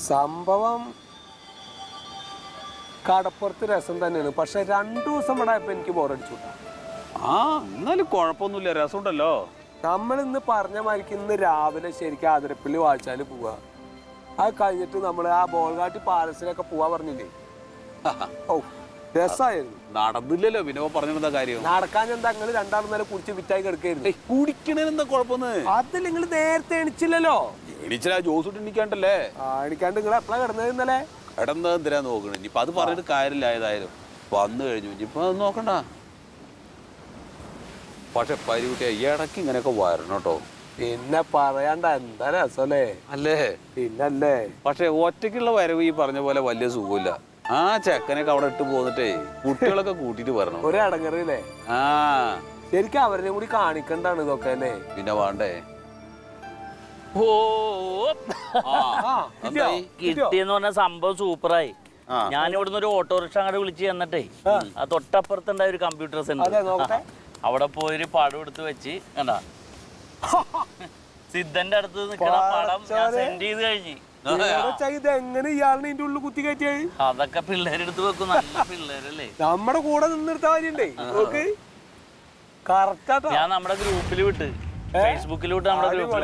സംഭവം കടപ്പുറത്ത് രസം തന്നെയാണ്. പക്ഷെ 2 ദിവസം ഇവിടെ ആയപ്പോ എനിക്ക് ബോറടിച്ചു. ആ എന്നാലും കുഴപ്പമൊന്നുമില്ല, രസമുണ്ടല്ലോ. നമ്മൾ ഇന്ന് പറഞ്ഞ മാതിരിക്ക് ഇന്ന് രാവിലെ ശരിക്കും ആതിരപ്പള്ളി വാഴ്ചാല് പോവാ. അത് കഴിഞ്ഞിട്ട് നമ്മൾ ആ ബോൾഗാട്ടി പാലസിലൊക്കെ പോവാ പറഞ്ഞില്ലേ? ഓ രസമായിരുന്നു. നടന്നില്ലല്ലോ വിനോ പറഞ്ഞിരുന്ന കാര്യം. നടക്കാൻ എന്താ നിങ്ങൾ രണ്ടാളും നേരം കുടിച്ച് വിറ്റായി കിടക്കായിരുന്നു. കുടിക്കണെന്താ കുഴപ്പമൊന്ന്? അത് നിങ്ങൾ നേരത്തെ എണിച്ചില്ലല്ലോ. എണിച്ചാ ജോസ് എണിക്കാണ്ടല്ലേ? എണിക്കാണ്ട് നിങ്ങൾ എപ്പോഴാ കിടന്നത് ഇന്നലെ? കിടന്നത് എന്തിനാ നോക്കണേ? ഇനിയിപ്പൊ അത് പറഞ്ഞിട്ട് കാര്യമില്ല. ഏതായാലും വന്നു കഴിഞ്ഞു, ഇനിയിപ്പൊ അത് നോക്കണ്ട. പക്ഷെ പരികുട്ടിയ ഇടയ്ക്ക് ഇങ്ങനെയൊക്കെ വരണം കേട്ടോ. പിന്നെ പറയാണ്ട എന്താ രസല്ലേ അല്ലേ? പിന്നല്ലേ. പക്ഷെ ഒറ്റയ്ക്കുള്ള വരവ് ഈ പറഞ്ഞ പോലെ വലിയ സുഖമില്ല. ആ ചെക്കനൊക്കെ അവിടെ ഇട്ട് പോന്നിട്ടേ കുട്ടികളൊക്കെ കൂട്ടിട്ട് വരണം. ഒരു അടങ്ങറില്ലേ? ആ ശരിക്കും അവരെ കൂടി കാണിക്കണ്ടാണ് ഇതൊക്കെ അല്ലേ? പിന്നെ വേണ്ടേ? കിട്ടിയെന്ന് പറഞ്ഞ സംഭവം സൂപ്പറായി. ഞാൻ ഇവിടുന്ന് ഒരു ഓട്ടോറിക്ഷ അങ്ങോട്ട് വിളിച്ച് ചെന്നിട്ടേ ആ തൊട്ടപ്പുറത്തുണ്ടായ ഒരു കമ്പ്യൂട്ടർ സെന്റർ, അവിടെ പോയൊരു പടം എടുത്ത് വെച്ച് കണ്ടാ സിദ്ധന്റെ അടുത്ത് നിൽക്കണ പടം ഞാൻ സെൻഡ് ചെയ്ത് കഴിഞ്ഞു. എങ്ങനെ ഇയാളിനെ ഇതിന്റെ ഉള്ളിൽ കുത്തി കയറ്റിയായി? അതൊക്കെ പിള്ളേരെടുത്ത് വെക്കും. നല്ല പിള്ളേരല്ലേ? നമ്മുടെ കൂടെ നിന്നെടുത്ത കാര്യണ്ടേ. ഞാൻ നമ്മുടെ ഗ്രൂപ്പിൽ വിട്ട്, ഫേസ്ബുക്കിൽ വിട്ട് നമ്മുടെ ഗ്രൂപ്പിൽ.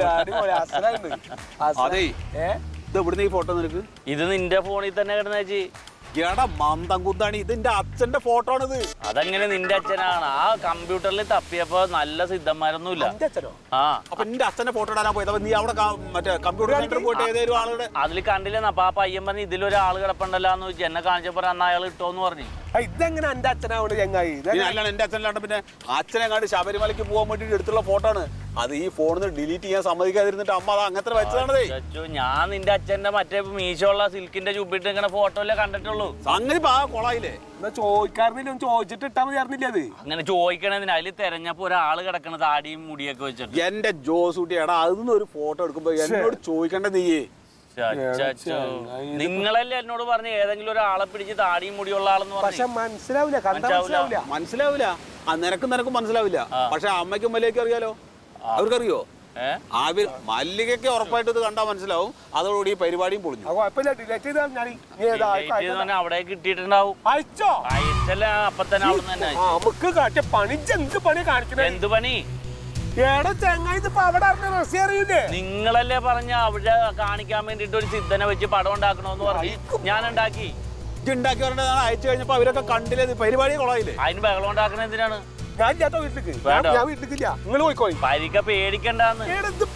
ഈ ഫോട്ടോ നിനക്ക് ഇത് നിന്റെ ഫോണിൽ തന്നെ കിടന്നേച്ചി. എടാ മന്ദം കുന്താണ്, ഇതിന്റെ അച്ഛന്റെ ഫോട്ടോ ആണിത്. അതെങ്ങനെ നിന്റെ അച്ഛനാണ്? ആ കമ്പ്യൂട്ടറിൽ തപ്പിയപ്പോ നല്ല സിദ്ധന്മാരൊന്നുമില്ല. ആ അപ്പൊ നിന്റെ അച്ഛന്റെ ഫോട്ടോ ഇടാനാ പോയത്. അപ്പൊ നീ അവിടെ മറ്റേ കമ്പ്യൂട്ടർ സെന്ററിൽ പോയിട്ട് ഏതൊരു ആളുടെ അതിൽ കണ്ടില്ലെന്ന്. അപ്പൊ ആ പയ്യൻ പറഞ്ഞു ഇതിലൊരാൾ കിടപ്പുണ്ടല്ലാന്ന് ചോദിച്ചു. എന്നെ കാണിച്ചപ്പോ അന്ന് അയാൾ ഇട്ടോന്ന് പറഞ്ഞു. ഇതെങ്ങനെ എന്റെ അച്ഛനാവണ്ട് ചങ്ങായി? അല്ലാണ് എന്റെ അച്ഛനല്ലാണ്ട് പിന്നെ അച്ഛനെ കണ്ട് ശബരിമലയ്ക്ക് പോകാൻ വേണ്ടിട്ട് എടുത്തുള്ള ഫോട്ടോ ആണ് അത്. ഈ ഫോണിൽ ഡിലീറ്റ് ചെയ്യാൻ സമ്മതിക്കാതിരുന്നിട്ട് അമ്മ അത് അങ്ങനത്തെ വെച്ചതാണേ. ഞാൻ നിന്റെ അച്ഛന്റെ മറ്റേ മീശോള്ള സിൽക്കിന്റെ ചുപ്പിട്ട് ഇങ്ങനെ ഫോട്ടോയിലെ കണ്ടിട്ടുള്ളൂ. സംഗതി കൊളായില്ലേ? ചോദിക്കാറില്ല, ചോദിച്ചിട്ട് ഇട്ടാ മതി അറിഞ്ഞില്ല. അത് അങ്ങനെ ചോദിക്കണതിന് അതിൽ തെരഞ്ഞപ്പോ ഒരാള് കിടക്കണ താടിയും മുടിയൊക്കെ വെച്ചിട്ട്. എന്റെ ജോസൂട്ടി എടാ അതിന്ന് ഒരു ഫോട്ടോ എടുക്കുമ്പോ എന്നോട് ചോദിക്കണ്ട നീയേ. നിങ്ങളല്ലേ എന്നോട് പറഞ്ഞ ഏതെങ്കിലും ഒരാളെ പിടിച്ച് താടിയും മുടിയുള്ള ആളെന്ന് പറഞ്ഞു. മനസ്സിലാവില്ല. നിനക്കും മനസ്സിലാവില്ല. പക്ഷെ അമ്മയ്ക്കും മല്ലികയ്ക്കും അറിയാലോ. അവർക്കറിയോ? മല്ലികയ്ക്ക് ഉറപ്പായിട്ട് ഇത് കണ്ടാ മനസ്സിലാവും. അതോടുകൂടി ഈ പരിപാടിയും പൊളിഞ്ഞു. അവിടെ കിട്ടിയിട്ടുണ്ടാവും. അയച്ചല്ല അപ്പൊ തന്നെ എന്ത് പണി? നിങ്ങളല്ലേ പറഞ്ഞ അവിടെ കാണിക്കാൻ വേണ്ടിട്ട് ഒരു സിദ്ധനെ വെച്ച് പടം ഉണ്ടാക്കണോന്ന് പറഞ്ഞു. ഞാൻ ഉണ്ടാക്കി. ഉണ്ടാക്കി പറഞ്ഞ അയച്ചു കഴിഞ്ഞപ്പോ അവരൊക്കെ കണ്ടില്ലേ പരിപാടി കൊളായില്ലേ? അതിന് ബഹളം ഉണ്ടാക്കണ എന്തിനാണ്? പരിക്ക പേടിക്കണ്ടെന്ന്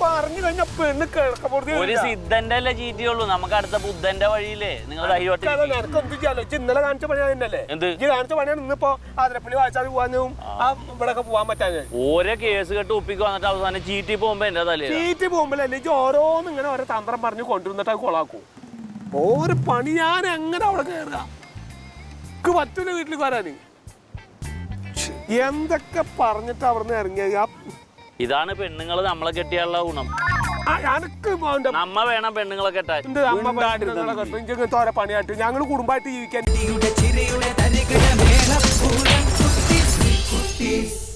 ഒരു സിദ്ധന്റെ അല്ലേ ചീറ്റിയുള്ളൂ. നമുക്ക് അടുത്ത ബുദ്ധന്റെ വഴിയില്ലേ? നിങ്ങൾ ഇന്നലെ കാണിച്ച പണിയാ തന്നെയല്ലേ? കാണിച്ച പണിയാണ് ഇന്നിപ്പോ ആതിരപ്പള്ളി വായിച്ചാൽ പോവാനും ഇവിടെ പോവാൻ പറ്റാതെ ഓരോ കേസ് കെട്ട് ഒപ്പിക്ക് വന്നിട്ട് അവസാനം ചീറ്റി പോകുമ്പോ എന്റെ തലേ ചീറ്റി പോകുമ്പോഴല്ലേ ഓരോന്നും ഇങ്ങനെ ഓരോ തന്ത്രം പറഞ്ഞ് കൊണ്ടുവന്നിട്ട് അത് കൊളാക്കും. ഓരോ പണി ഞാൻ എങ്ങനെ അവിടെ കയറുക? പറ്റൂല വീട്ടിൽ വരാന്. എന്തൊക്കെ പറഞ്ഞിട്ട് അവിടുന്ന് ഇറങ്ങിയ ഇതാണ് പെണ്ണുങ്ങള് നമ്മളെ കെട്ടിയുള്ള ഗുണം. നമ്മ വേണം പെണ്ണുങ്ങളെ കെട്ടാൻ. ഓരോ പണിയായിട്ട് ഞങ്ങൾ കുടുംബമായിട്ട് ജീവിക്കാൻ